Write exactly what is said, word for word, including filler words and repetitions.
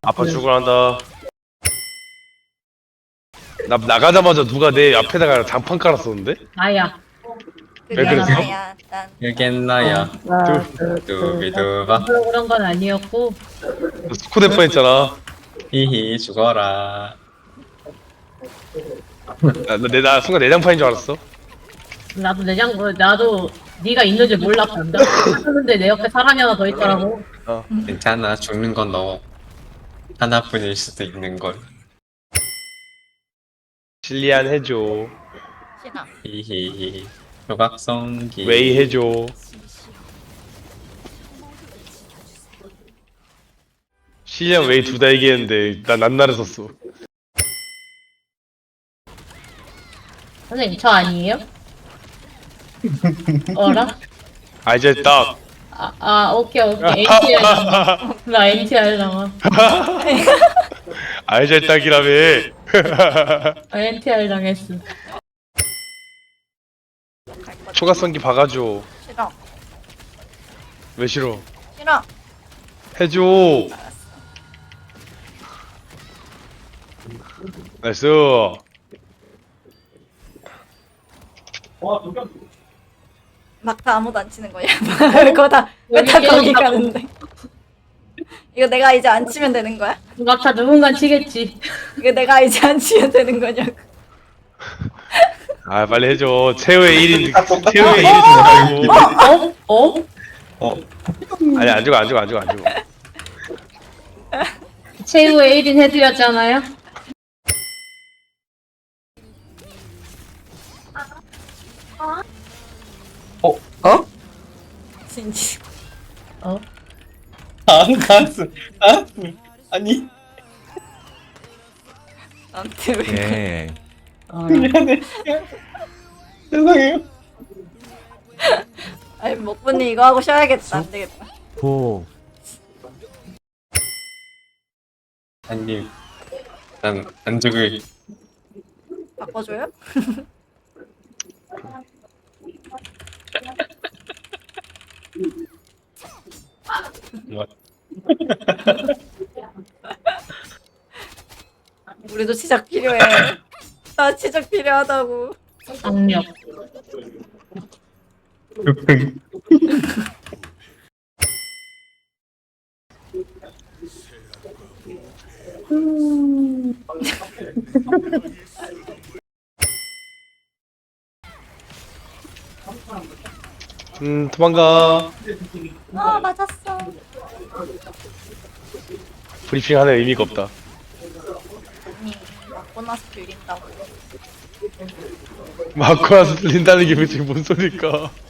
아빠 출근한다. 나 나가자마자 누가 내 앞에다가 장판 깔았었는데? 나야. 왜 그게 그랬어? 나야. 난 여긴 나야. 두비두바. 별로 그런 건 아니었고. 스코드 뻔했잖아. 히히 죽어라. 나, 나, 내- 나 순간 내장판인 줄 알았어. 나도 내장 나도 네가 있는 줄 몰랐어. 근데 내 옆에 사람이 하나 더 있더라고. 어. 괜찮아. 죽는 건 너 하나뿐일 수도 있는 걸. 실리안 해줘. 싫어. 히히히. 조각성기. 웨이 해줘. 실리안 웨이 둘 다 얘기했는데 난 난나를 썼어. 선생님 저 아니에요? 어라? 아 이제 딱. 아, 아 오케이 오케이 엔티알 당한. 나 엔티알 당한. 아 이제 딱이라며. 아, 엔티알 당했어. 초가성기 박아줘. 싫어. 왜 싫어? 싫어. 해줘. 나이스. 막타 아무도 안 치는 거야. 그거 다, 왜 다 여기 거기 게임 가는데. 이거 내가 이제 안 치면 되는 거야? 막타 누군가 치겠지. 이거 내가 이제 안 치면 되는 거냐고. 아 빨리 해줘. 최후의 일 인 최후의 일 인 말고. 어? 어? 어? 아니 안 죽어 안 죽어 안 죽어 안 죽어. 최후의 일 인 해드렸잖아요. 어? 어? 진지. 어? 안 갔어. 아, 아니. 나한테 왜. 예. 어. 미안해. 죄송해요. 아니, 먹분이 이거 하고 쉬어야겠다. 안 되겠다. 고. 아니, 난 안 죽을. 바꿔줘요? 뭐. 우리도 시작 필요해. 나 시작 필요하다고. 악력. 음 도망가. 아, 맞았어. 브리핑 하는 의미가 없다. 아니, 맞고 나서 빌린다고. 맞고 나서 들린다는 게 도대체 뭔 소리일까?